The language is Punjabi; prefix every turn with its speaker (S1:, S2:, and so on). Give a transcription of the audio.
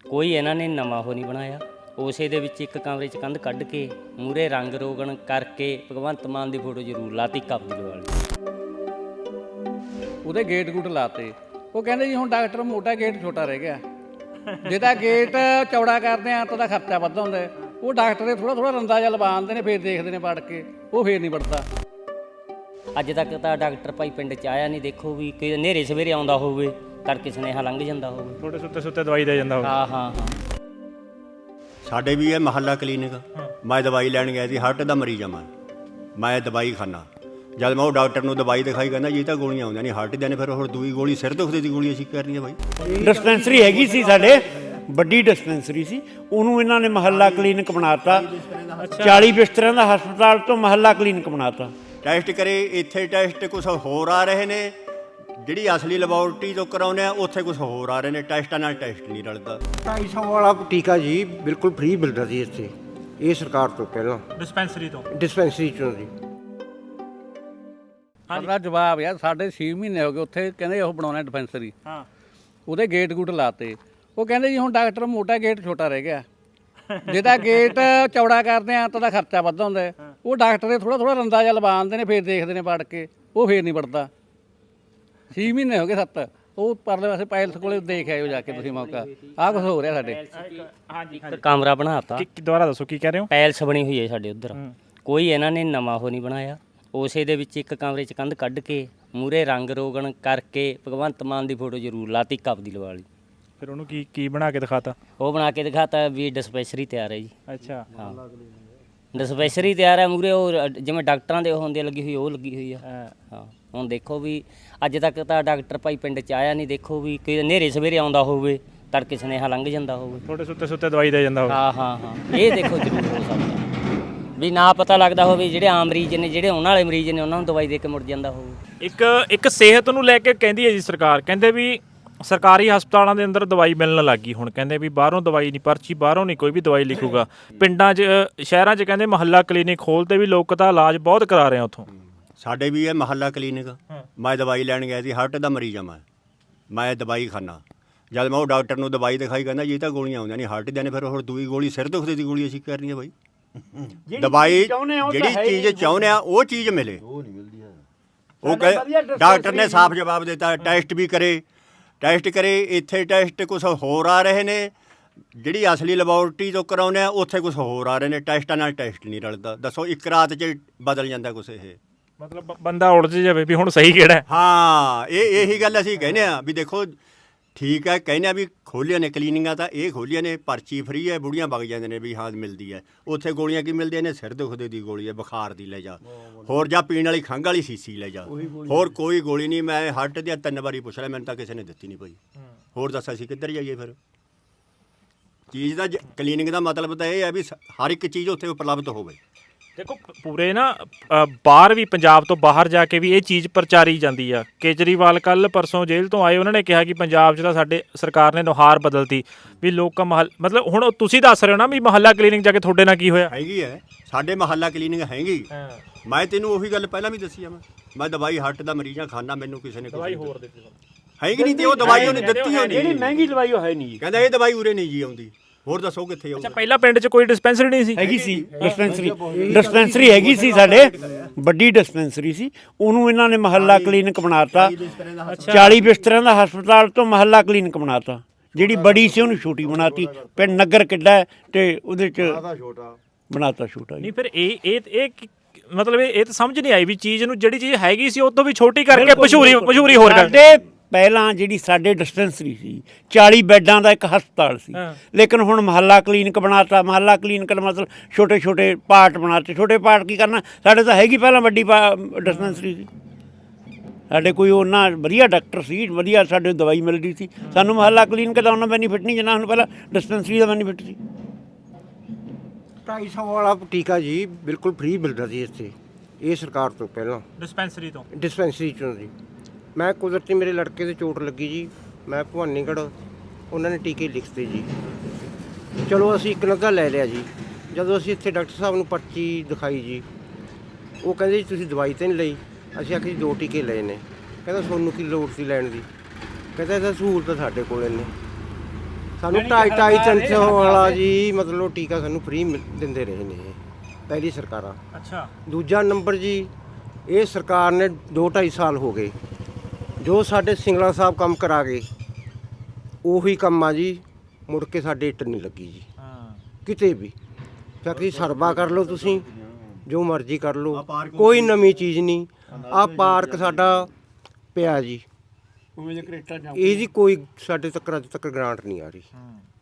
S1: ਕੋਈ ਇਹਨਾਂ ਨੇ ਨਵਾਂ ਉਹ ਨਹੀਂ ਬਣਾਇਆ। ਉਸੇ ਦੇ ਵਿੱਚ ਇੱਕ ਕਮਰੇ 'ਚ ਕੰਧ ਕੱਢ ਕੇ ਮੂਹਰੇ ਰੰਗ ਰੋਗਣ ਕਰਕੇ ਭਗਵੰਤ ਮਾਨ ਦੀ ਫੋਟੋ ਜ਼ਰੂਰ ਲਾਤੀ ਕਬਜ਼ ਵਾਲੀ।
S2: ਉਹਦੇ ਗੇਟ ਗੂਟ ਲਾਤੇ। ਉਹ ਕਹਿੰਦੇ ਜੀ ਹੁਣ ਡਾਕਟਰ ਮੋਟਾ ਗੇਟ ਛੋਟਾ ਰਹਿ ਗਿਆ, ਜੇ ਤਾਂ ਗੇਟ ਚੌੜਾ ਕਰਦੇ ਆ ਤਾਂ ਉਹਦਾ ਖਰਚਾ ਵੱਧ ਹੁੰਦਾ ਹੈ। ਉਹ ਡਾਕਟਰ ਦੇ ਥੋੜਾ ਰੰਦਾ ਜਿਹਾ ਲਵਾ ਦਿੰਦੇ ਨੇ, ਫਿਰ ਦੇਖਦੇ ਨੇ ਪੜ ਕੇ, ਉਹ ਫੇਰ ਨਹੀਂ ਪੜਦਾ।
S1: ਅੱਜ ਤੱਕ ਤਾਂ ਡਾਕਟਰ ਭਾਈ ਪਿੰਡ 'ਚ ਆਇਆ ਨਹੀਂ। ਦੇਖੋ ਵੀ ਕਿ ਹਨੇਰੇ ਸਵੇਰੇ ਆਉਂਦਾ ਹੋਵੇ, ਤੜਕੇ ਸੁਨੇਹਾ ਲੰਘ ਜਾਂਦਾ ਹੋਵੇ,
S3: ਥੋੜੇ ਸੁੱਤੇ ਦਵਾਈ ਦੇ ਜਾਂਦਾ ਹੋਵੇ।
S1: ਹਾਂ।
S4: ਸਾਡੇ ਵੀ ਇਹ ਮਹੱਲਾ ਕਲੀਨਿਕ, ਮੈਂ ਦਵਾਈ ਲੈਣ ਗਿਆ ਸੀ, ਹਾਰਟ ਦਾ ਮਰੀਜ਼ ਆ ਮੈਂ ਦਵਾਈ ਖਾਨਾ। ਜਦ ਮੈਂ ਉਹ ਡਾਕਟਰ ਨੂੰ ਦਵਾਈ ਦਿਖਾਈ, ਕਹਿੰਦਾ ਜੀ ਤਾਂ ਗੋਲੀਆਂ ਆਉਂਦੀਆਂ ਨਹੀਂ ਹਾਰਟ ਦੀਆਂ ਨੇ। ਫਿਰ ਹੋਰ ਦੂਈ ਗੋਲੀ ਸਿਰ ਦੁਖਦੇ ਦੀ ਗੋਲੀ ਅਸੀਂ ਕਰਨੀ ਆ ਬਾਈ।
S5: ਡਿਸਪੈਂਸਰੀ ਹੈਗੀ ਸੀ ਸਾਡੇ, ਵੱਡੀ ਡਿਸਪੈਂਸਰੀ ਸੀ, ਉਹਨੂੰ ਇਹਨਾਂ ਨੇ ਮਹੱਲਾ ਕਲੀਨਿਕ ਬਣਾਤਾ। 40 ਬਿਸਤਰਿਆਂ ਦਾ ਹਸਪਤਾਲ ਤੋਂ ਮਹੱਲਾ ਕਲੀਨਿਕ ਬਣਾਤਾ।
S4: ਟੈਸਟ ਕਰੇ, ਇੱਥੇ ਟੈਸਟ ਕੁਛ ਹੋਰ ਆ ਰਹੇ ਨੇ, ਜਿਹੜੀ ਅਸਲੀ ਲੈਬੋਰਟਰੀ ਤੋਂ ਕਰਾਉਂਦੇ ਆ ਉੱਥੇ ਕੁਛ ਹੋਰ ਆ ਰਹੇ ਨੇ। ਟੈਸਟਾਂ ਨਾਲ ਟੈਸਟ ਨਹੀਂ ਰਲਦਾ।
S6: 250 ਵਾਲਾ ਟੀਕਾ ਜੀ ਬਿਲਕੁਲ ਫ੍ਰੀ ਮਿਲਦਾ ਸੀ ਇੱਥੇ, ਇਹ ਸਰਕਾਰ ਤੋਂ ਪਹਿਲਾਂ
S3: ਡਿਸਪੈਂਸਰੀ
S6: ਚੋਂ ਜੀ।
S2: ਸਾਡਾ ਜਵਾਬ ਯਾਰ, ਸਾਡੇ 6 ਮਹੀਨੇ ਹੋ ਗਏ ਉੱਥੇ, ਕਹਿੰਦੇ ਉਹ ਬਣਾਉਣਾ ਡਿਸਪੈਂਸਰੀ। ਉਹਦੇ ਗੇਟ ਗੂਟ ਲਾਤੇ। ਉਹ ਕਹਿੰਦੇ ਜੀ ਹੁਣ ਡਾਕਟਰ ਮੋਟਾ ਗੇਟ ਛੋਟਾ ਰਹਿ ਗਿਆ, ਜੇ ਤਾਂ ਗੇਟ ਚੌੜਾ ਕਰਦੇ ਆ ਤਾਂ ਉਹਦਾ ਖਰਚਾ ਵੱਧ ਹੁੰਦਾ ਹੈ। ਉਹ ਡਾਕਟਰ ਦੇ ਥੋੜਾ ਰੰਦਾ ਜਿਹਾ ਲਵਾ ਦਿੰਦੇ ਨੇ, ਫਿਰ ਦੇਖਦੇ ਨੇ ਪੜ ਕੇ, ਉਹ ਫੇਰ ਨਹੀਂ ਪੜਦਾ। 6 ਮਹੀਨੇ ਹੋ ਗਏ 7। ਉਹ ਪਰਲੇ ਪਾਸੇ ਪੈਲਸ ਕੋਲੇ ਦੇਖ ਆਇਓ ਜਾ ਕੇ ਤੁਸੀਂ ਮੌਕਾ, ਆਹ ਕੁਛ ਹੋ ਰਿਹਾ ਸਾਡੇ।
S1: ਇੱਕ ਕਮਰਾ ਬਣਾਤਾ।
S3: ਦੁਬਾਰਾ ਦੱਸੋ ਕੀ ਕਹਿ ਰਹੇ ਹੋ?
S1: ਪੈਲਸ ਬਣੀ ਹੋਈ ਹੈ ਸਾਡੇ ਉੱਧਰ, ਕੋਈ ਇਹਨਾਂ ਨੇ ਨਵਾਂ ਉਹ ਨਹੀਂ ਬਣਾਇਆ। ਉਸੇ ਦੇ ਵਿੱਚ ਇੱਕ ਕਮਰੇ 'ਚ ਕੰਧ ਕੱਢ ਕੇ ਮੂਹਰੇ ਰੰਗ ਰੋਗਣ ਕਰਕੇ ਭਗਵੰਤ ਮਾਨ ਦੀ ਫੋਟੋ ਜ਼ਰੂਰ ਲਾਤੀ ਕਬਜ਼ ਵਾਲੀ।
S3: ਫਿਰ ਉਹਨੂੰ ਕੀ ਬਣਾ ਕੇ ਦਿਖਾਤਾ?
S1: ਉਹ ਬਣਾ ਕੇ ਦਿਖਾਤਾ ਵੀ ਡਿਸਪੈਂਸਰੀ ਤਿਆਰ ਹੈ ਜੀ।
S3: ਅੱਛਾ,
S1: ਹਾਂ, ਡਿਸਪੈਂਸਰੀ ਤਿਆਰ ਹੈ। ਮੂਹਰੇ ਉਹ ਜਿਵੇਂ ਡਾਕਟਰਾਂ ਦੇ ਉਹ ਹੁੰਦੇ ਲੱਗੀ ਹੋਈ, ਉਹ ਲੱਗੀ ਹੋਈ ਆ। ਹਾਂ, ਹੁਣ ਦੇਖੋ ਵੀ ਅੱਜ ਤੱਕ ਤਾਂ ਡਾਕਟਰ ਭਾਈ ਪਿੰਡ 'ਚ ਆਇਆ ਨਹੀਂ। ਦੇਖੋ ਵੀ ਕਿ ਹਨੇਰੇ ਸਵੇਰੇ ਆਉਂਦਾ ਹੋਵੇ, ਤੜਕੇ ਸੁਨੇਹਾ ਲੰਘ ਜਾਂਦਾ ਹੋਵੇ,
S3: ਥੋੜੇ ਸੁੱਤੇ ਦਵਾਈ ਦੇ ਜਾਂਦਾ ਹੋਵੇ।
S1: ਹਾਂ। ਇਹ ਦੇਖੋ ਜ਼ਰੂਰ ਹੋ ਸਕਦਾ ਵੀ ਨਾ ਪਤਾ ਲੱਗਦਾ ਹੋਵੇ, ਜਿਹੜੇ ਆਮ ਮਰੀਜ਼ ਨੇ, ਜਿਹੜੇ ਉਹਨਾਂ ਵਾਲੇ ਮਰੀਜ਼ ਨੇ, ਉਹਨਾਂ ਨੂੰ ਦਵਾਈ ਦੇ ਕੇ ਮੁੜ ਜਾਂਦਾ ਹੋਵੇ।
S3: ਇੱਕ ਸਿਹਤ ਨੂੰ ਲੈ ਕੇ ਕਹਿੰਦੀ ਹੈ ਜੀ ਸਰਕਾਰ, ਕਹਿੰਦੇ ਵੀ ਸਰਕਾਰੀ ਹਸਪਤਾਲਾਂ ਦੇ ਅੰਦਰ ਦਵਾਈ ਮਿਲਣ ਲੱਗੀ। ਹੁਣ ਕਹਿੰਦੇ ਵੀ ਬਾਹਰੋਂ ਦਵਾਈ ਨਹੀਂ, ਪਰਚੀ ਬਾਹਰੋਂ ਨਹੀਂ ਕੋਈ ਵੀ ਦਵਾਈ ਲਿਖੂਗਾ। ਪਿੰਡਾਂ 'ਚ ਸ਼ਹਿਰਾਂ 'ਚ ਕਹਿੰਦੇ ਮਹੱਲਾ ਕਲੀਨਿਕ ਖੋਲ੍ਹਤੇ ਵੀ ਲੋਕ ਤਾਂ ਇਲਾਜ ਬਹੁਤ ਕਰਾ ਰਹੇ ਆ ਉੱਥੋਂ।
S4: ਸਾਡੇ ਵੀ ਇਹ ਮਹੱਲਾ ਕਲੀਨਿਕ, ਮੈਂ ਦਵਾਈ ਲੈਣ ਗਿਆ ਸੀ, ਹਾਰਟ ਦਾ ਮਰੀਜ਼ ਆ ਮੈਂ ਦਵਾਈ ਖਾਨਾ। ਜਦ ਮੈਂ ਉਹ ਡਾਕਟਰ ਨੂੰ ਦਵਾਈ ਦਿਖਾਈ, ਕਹਿੰਦਾ ਜੀ ਤਾਂ ਗੋਲੀਆਂ ਆਉਂਦੀਆਂ ਨਹੀਂ ਹਾਰਟ ਦੀਆਂ ਨੇ। ਫਿਰ ਹੋਰ ਦੂਈ ਗੋਲੀ ਸਿਰ ਦੁਖਦੇ ਦੀ ਗੋਲੀ ਅਸੀਂ ਕਰਨੀ ਆ ਬਾਈ। ਦਵਾਈ ਜਿਹੜੀ ਚੀਜ਼ ਚਾਹੁੰਦੇ ਆ ਉਹ ਚੀਜ਼ ਮਿਲੇ, ਉਹ ਡਾਕਟਰ ਨੇ ਸਾਫ਼ ਜਵਾਬ ਦਿੱਤਾ। ਟੈਸਟ ਵੀ ਕਰੇ, ਇੱਥੇ ਟੈਸਟ ਕੁਛ ਹੋਰ ਆ ਰਹੇ ਨੇ, ਜਿਹੜੀ ਅਸਲੀ ਲੈਬੋਰਟਰੀ ਤੋਂ ਕਰਾਉਂਦੇ ਆ ਉੱਥੇ ਕੁਛ ਹੋਰ ਆ ਰਹੇ ਨੇ। ਟੈਸਟਾਂ ਨਾਲ ਟੈਸਟ ਨਹੀਂ ਰਲਦਾ। ਦੱਸੋ, ਇੱਕ ਰਾਤ 'ਚ ਬਦਲ ਜਾਂਦਾ ਕੁਛ। ਇਹ
S3: ਮਤਲਬ ਬੰਦਾ ਉਲਝ ਜਾਵੇ ਵੀ ਹੁਣ ਸਹੀ ਕਿਹੜਾ।
S4: ਹਾਂ, ਇਹੀ ਗੱਲ ਅਸੀਂ ਕਹਿੰਦੇ ਆ ਵੀ ਦੇਖੋ ਠੀਕ ਹੈ, ਕਹਿੰਦੇ ਆ ਵੀ ਖੋਲ੍ਹੀਆਂ ਨੇ ਕਲੀਨਿਕਾਂ, ਤਾਂ ਇਹ ਖੋਲ੍ਹੀਆਂ ਨੇ, ਪਰਚੀ ਫਰੀ ਹੈ, ਬੁੜੀਆਂ ਵਗ ਜਾਂਦੇ ਨੇ ਵੀ ਹਾਂ ਮਿਲਦੀ ਹੈ। ਉੱਥੇ ਗੋਲੀਆਂ ਕੀ ਮਿਲਦੀਆਂ ਨੇ? ਸਿਰ ਦੁਖਦੇ ਦੀ ਗੋਲੀ ਹੈ, ਬੁਖਾਰ ਦੀ ਲੈ ਜਾ, ਹੋਰ ਜਾਂ ਪੀਣ ਵਾਲੀ ਖੰਘ ਵਾਲੀ ਸੀਸੀ ਲੈ ਜਾ, ਹੋਰ ਕੋਈ ਗੋਲੀ ਨਹੀਂ। ਮੈਂ ਹਾਰਟ ਦੀਆਂ 3 ਵਾਰੀ ਪੁੱਛ ਲਿਆ, ਮੈਨੂੰ ਤਾਂ ਕਿਸੇ ਨੇ ਦਿੱਤੀ ਨਹੀਂ ਪਈ। ਹੋਰ ਦੱਸ ਅਸੀਂ ਕਿੱਧਰ ਜਾਈਏ ਫਿਰ? ਚੀਜ਼ ਦਾ ਕਲੀਨਿਕ ਦਾ ਮਤਲਬ ਤਾਂ ਇਹ ਹੈ ਵੀ ਹਰ ਇੱਕ ਚੀਜ਼ ਉੱਥੇ ਉਪਲਬਧ ਹੋਵੇ।
S3: ਦੇਖੋ ਪੂਰੇ ਨਾ ਬਾਹਰ ਵੀ, ਪੰਜਾਬ ਤੋਂ ਬਾਹਰ ਜਾ ਕੇ ਵੀ ਇਹ ਚੀਜ਼ ਪ੍ਰਚਾਰੀ ਜਾਂਦੀ ਆ। ਕੇਜਰੀਵਾਲ ਕੱਲ ਪਰਸੋਂ ਜੇਲ੍ਹ ਤੋਂ ਆਏ, ਉਹਨਾਂ ਨੇ ਕਿਹਾ ਕਿ ਪੰਜਾਬ 'ਚ ਤਾਂ ਸਾਡੇ ਸਰਕਾਰ ਨੇ ਨੁਹਾਰ ਬਦਲਤੀ ਵੀ ਲੋਕਾਂ ਮਤਲਬ ਹੁਣ ਤੁਸੀਂ ਦੱਸ ਰਹੇ ਹੋ ਨਾ ਵੀ ਮਹੱਲਾ ਕਲੀਨਿਕ ਜਾ ਕੇ ਤੁਹਾਡੇ ਨਾਲ ਕੀ ਹੋਇਆ?
S4: ਹੈਗੀ ਹੈ, ਸਾਡੇ ਮਹੱਲਾ ਕਲੀਨਿਕ ਹੈਗੀ। ਮੈਂ ਤੈਨੂੰ ਉਹੀ ਗੱਲ ਪਹਿਲਾਂ ਵੀ ਦੱਸੀ ਆ। ਮੈਂ ਦਵਾਈ ਹਾਰਟ ਦਾ ਮਰੀਜ਼ਾਂ ਖਾਨਾ, ਮੈਨੂੰ ਕਿਸੇ ਨੇ ਦਵਾਈ ਹੋਰ ਦਿੱਤੀ ਹੈਗੀ ਨਹੀਂ, ਤੇ ਉਹ ਦਵਾਈ ਉਹਨੇ ਦਿੱਤੀ ਹੋਣੀ,
S5: ਜਿਹੜੀ ਮਹਿੰਗੀ ਦਵਾਈ ਉਹ ਹੈ ਨਹੀਂ ਜੀ।
S4: ਕਹਿੰਦਾ ਇਹ ਦਵਾਈ ਉਰੇ ਨਹੀਂ ਜੀ ਆਉਂਦੀ। ਹੋਰ ਦੱਸੋ ਕਿੱਥੇ ਆਉਂਦੀ?
S3: ਅੱਛਾ, ਪਹਿਲਾਂ ਪਿੰਡ 'ਚ ਕੋਈ ਡਿਸਪੈਂਸਰੀ ਨਹੀਂ ਸੀ?
S5: ਹੈਗੀ ਸੀ ਡਿਸਪੈਂਸਰੀ ਹੈਗੀ ਸੀ ਸਾਡੇ, ਵੱਡੀ ਡਿਸਪੈਂਸਰੀ ਸੀ, ਉਹਨੂੰ ਇਹਨਾਂ ਨੇ ਮਹੱਲਾ ਕਲੀਨਿਕ ਬਣਾਤਾ। 40 ਬਿਸਤਰਿਆਂ ਦਾ ਹਸਪਤਾਲ ਤੋਂ ਮਹੱਲਾ ਕਲੀਨਿਕ ਬਣਾਤਾ। ਜਿਹੜੀ ਬੜੀ ਸੀ ਉਹਨੂੰ ਛੋਟੀ ਬਣਾਤੀ। ਪਿੰਡ ਨਗਰ ਕਿੱਡਾ ਤੇ ਉਹਦੇ 'ਚ ਬਣਾਤਾ ਛੋਟਾ।
S3: ਨਹੀਂ ਫਿਰ ਇਹ ਮਤਲਬ ਇਹ ਤਾਂ ਸਮਝ ਨਹੀਂ ਆਈ ਵੀ ਚੀਜ਼ ਨੂੰ, ਜਿਹੜੀ ਚੀਜ਼ ਹੈਗੀ ਸੀ ਉਹ ਤੋਂ ਵੀ ਛੋਟੀ ਕਰਕੇ ਮਸ਼ਹੂਰੀ ਹੋਰ ਕਰ।
S5: ਪਹਿਲਾਂ ਜਿਹੜੀ ਸਾਡੇ ਡਿਸਪੈਂਸਰੀ ਸੀ 40 ਬੈੱਡਾਂ ਦਾ ਇੱਕ ਹਸਪਤਾਲ ਸੀ, ਲੇਕਿਨ ਹੁਣ ਮਹੱਲਾ ਕਲੀਨਿਕ ਬਣਾਤਾ। ਮਹੱਲਾ ਕਲੀਨਿਕ ਦਾ ਮਤਲਬ ਛੋਟੇ ਪਾਰਟ ਬਣਾਤੇ। ਛੋਟੇ ਪਾਰਟ ਕੀ ਕਰਨਾ? ਸਾਡੇ ਤਾਂ ਹੈਗੀ ਪਹਿਲਾਂ ਵੱਡੀ ਡਿਸਪੈਂਸਰੀ ਸੀ। ਸਾਡੇ ਕੋਈ ਉਹਨਾਂ ਵਧੀਆ ਡਾਕਟਰ ਸੀ, ਵਧੀਆ ਸਾਡੇ ਦਵਾਈ ਮਿਲਦੀ ਸੀ। ਸਾਨੂੰ ਮਹੱਲਾ ਕਲੀਨਿਕ ਦਾ ਉਹਨਾਂ ਬੈਨੀਫਿਟ ਨਹੀਂ ਜਿੰਨਾ ਸਾਨੂੰ ਪਹਿਲਾਂ ਡਿਸਪੈਂਸਰੀ ਦਾ ਬੈਨੀਫਿਟ ਸੀ।
S6: 250 ਵਾਲਾ ਟੀਕਾ ਜੀ ਬਿਲਕੁਲ ਫ੍ਰੀ ਮਿਲਦਾ ਸੀ ਇੱਥੇ, ਇਹ ਸਰਕਾਰ ਤੋਂ ਪਹਿਲਾਂ ਡਿਸਪੈਂਸਰੀ ਚੋਂ ਜੀ। ਮੈਂ ਕੁਦਰਤੀ ਮੇਰੇ ਲੜਕੇ ਦੇ ਚੋਟ ਲੱਗੀ ਜੀ, ਮੈਂ ਭਵਾਨੀਗੜ੍ਹ, ਉਹਨਾਂ ਨੇ ਟੀਕੇ ਲਿਖਤੇ ਜੀ। ਚਲੋ ਅਸੀਂ ਇੱਕ ਨੱਗਾ ਲੈ ਲਿਆ ਜੀ। ਜਦੋਂ ਅਸੀਂ ਇੱਥੇ ਡਾਕਟਰ ਸਾਹਿਬ ਨੂੰ ਪਰਚੀ ਦਿਖਾਈ ਜੀ, ਉਹ ਕਹਿੰਦੇ ਜੀ ਤੁਸੀਂ ਦਵਾਈ ਤਾਂ ਨਹੀਂ ਲਈ। ਅਸੀਂ ਆਖਿਆ ਜੀ 2 ਟੀਕੇ ਲਏ ਨੇ। ਕਹਿੰਦਾ ਤੁਹਾਨੂੰ ਕੀ ਲੋੜ ਸੀ ਲੈਣ ਦੀ? ਕਹਿੰਦਾ ਇਹਦਾ ਸਹੂਲਤ ਸਾਡੇ ਕੋਲ ਨੇ। ਸਾਨੂੰ 2.5-300 ਵਾਲਾ ਜੀ ਮਤਲਬ ਟੀਕਾ ਸਾਨੂੰ ਫ੍ਰੀ ਦਿੰਦੇ ਰਹੇ ਨੇ ਪਹਿਲੀ ਸਰਕਾਰਾਂ।
S3: ਅੱਛਾ।
S6: ਦੂਜਾ ਨੰਬਰ ਜੀ ਇਹ ਸਰਕਾਰ ਨੇ 2-2.5 ਸਾਲ ਹੋ ਗਏ ਜੋ ਸਾਡੇ ਸਿੰਗਲਾ ਸਾਹਿਬ ਕੰਮ ਕਰਾ ਗਏ ਉਹੀ ਕੰਮ ਆ ਜੀ, ਮੁੜ ਕੇ ਸਾਡੇ ਇੱਟ ਨਹੀਂ ਲੱਗੀ ਜੀ ਕਿਤੇ ਵੀ। ਚਾਕੀ ਸਰਵਾ ਕਰ ਲਓ ਤੁਸੀਂ, ਜੋ ਮਰਜ਼ੀ ਕਰ ਲਓ, ਕੋਈ ਨਵੀਂ ਚੀਜ਼ ਨਹੀਂ। ਆਹ ਪਾਰਕ ਸਾਡਾ ਪਿਆ ਜੀ, ਇਹਦੀ ਕੋਈ ਸਾਡੇ ਤੱਕ ਅੱਜ ਤੱਕ ਗ੍ਰਾਂਟ ਨਹੀਂ ਆ ਰਹੀ।